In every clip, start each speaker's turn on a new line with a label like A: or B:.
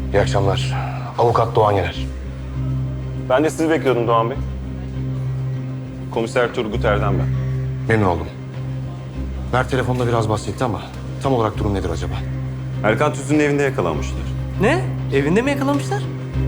A: İyi akşamlar. Avukat Doğan Yener.
B: Ben de sizi bekliyordum Doğan Bey. Komiser Turgut Erdem ben.
A: Memnun oldum. Mert telefonda biraz bahsetti ama tam olarak durum nedir acaba?
B: Erkan Tüzün'ün evinde yakalanmışlar.
C: Ne? Evinde mi yakalamışlar?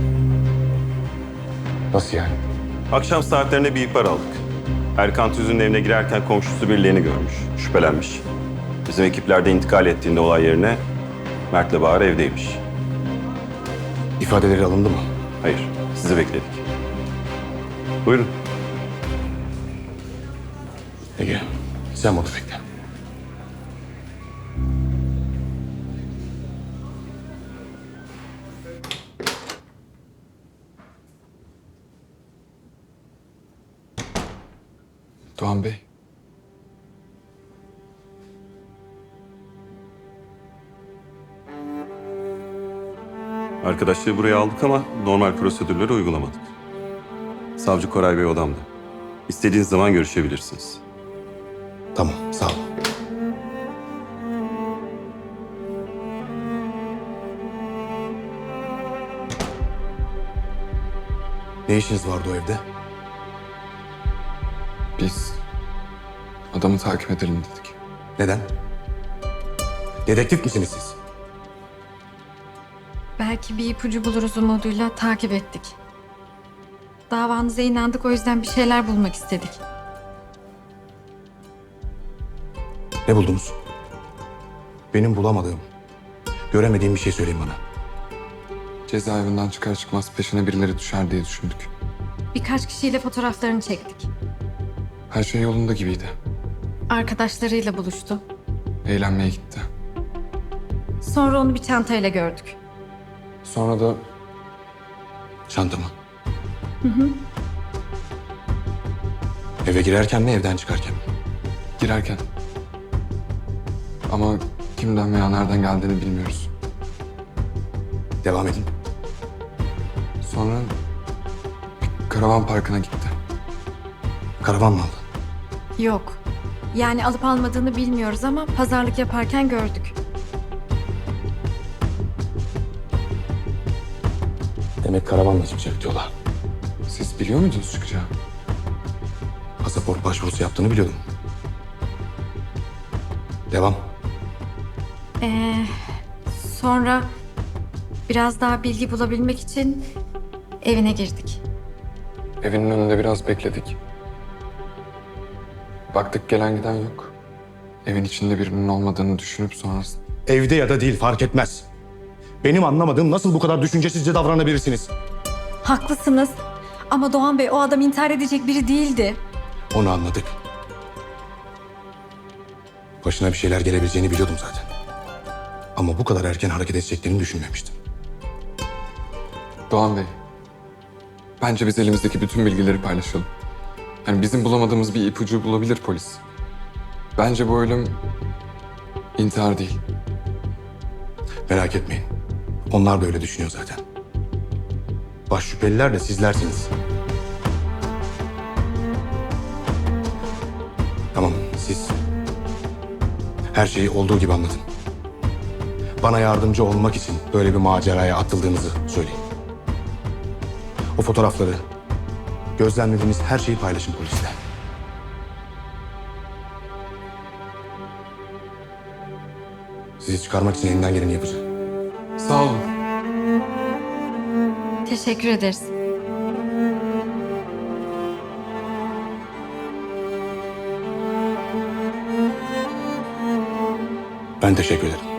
A: Nasıl yani?
B: Akşam saatlerinde bir ihbar aldık. Erkan Tüzün'ün evine girerken komşusu birilerini görmüş, şüphelenmiş. Bizim ekipler de intikal ettiğinde olay yerine Mert'le Bahar evdeymiş.
A: İfadeleri alındı mı?
B: Hayır, sizi bekledik. Buyurun.
A: Ege, sen bunu bekle.
D: Doğan Bey.
B: Arkadaşlığı buraya aldık ama normal prosedürleri uygulamadık. Savcı Koray Bey odamda. İstediğiniz zaman görüşebilirsiniz.
A: Tamam, sağ ol. Ne işiniz vardı o evde?
D: Biz adamı takip edelim dedik.
A: Neden? Dedektif misiniz siz?
E: Belki bir ipucu buluruz umuduyla takip ettik. Davanıza inandık, o yüzden bir şeyler bulmak istedik.
A: Ne buldunuz? Benim bulamadığım, göremediğim bir şey söyleyin bana.
D: Cezaevinden çıkar çıkmaz peşine birileri düşer diye düşündük.
E: Birkaç kişiyle fotoğraflarını çektik.
D: Her şey yolunda gibiydi.
E: Arkadaşlarıyla buluştu.
D: Eğlenmeye gitti.
E: Sonra onu bir çantayla gördük.
D: Sonra da
A: Çantamı. Eve girerken mi, evden çıkarken mi?
D: girerken. Ama kimden veya nereden geldiğini bilmiyoruz.
A: Devam edin.
D: Sonra bir karavan parkına gitti.
A: Karavan mı aldı?
E: Yok. Yani alıp almadığını bilmiyoruz ama pazarlık yaparken gördük.
A: Demek karavanla çıkacak diyorlar.
D: Siz biliyor muydunuz çıkacağı?
A: Pasaport başvurusu yaptığını biliyordum. Devam.
E: Sonra biraz daha bilgi bulabilmek için evine girdik.
D: Evinin önünde biraz bekledik. Baktık gelen giden yok. Evin içinde birinin olmadığını düşünüp sonrasında...
A: Evde ya da değil fark etmez. Benim anlamadığım nasıl bu kadar düşüncesizce davranabilirsiniz?
E: Haklısınız ama Doğan Bey o adam intihar edecek biri değildi.
A: Onu anladık. Başına bir şeyler gelebileceğini biliyordum zaten. Ama bu kadar erken hareket edeceklerini düşünmemiştim.
D: Doğan Bey, bence biz elimizdeki bütün bilgileri paylaşalım. Yani bizim bulamadığımız bir ipucu bulabilir polis. Bence bu ölüm intihar değil.
A: Merak etmeyin. Onlar da öyle düşünüyor zaten. Baş şüpheliler de sizlersiniz. Tamam, siz her şeyi olduğu gibi anlatın. Bana yardımcı olmak için böyle bir maceraya atıldığınızı söyleyin. O fotoğrafları, gözlemlediğiniz her şeyi paylaşın polisle. Sizi çıkarmak için elinden geleni yapacağım.
D: Sağ olun.
E: Teşekkür ederiz.
A: Ben teşekkür ederim.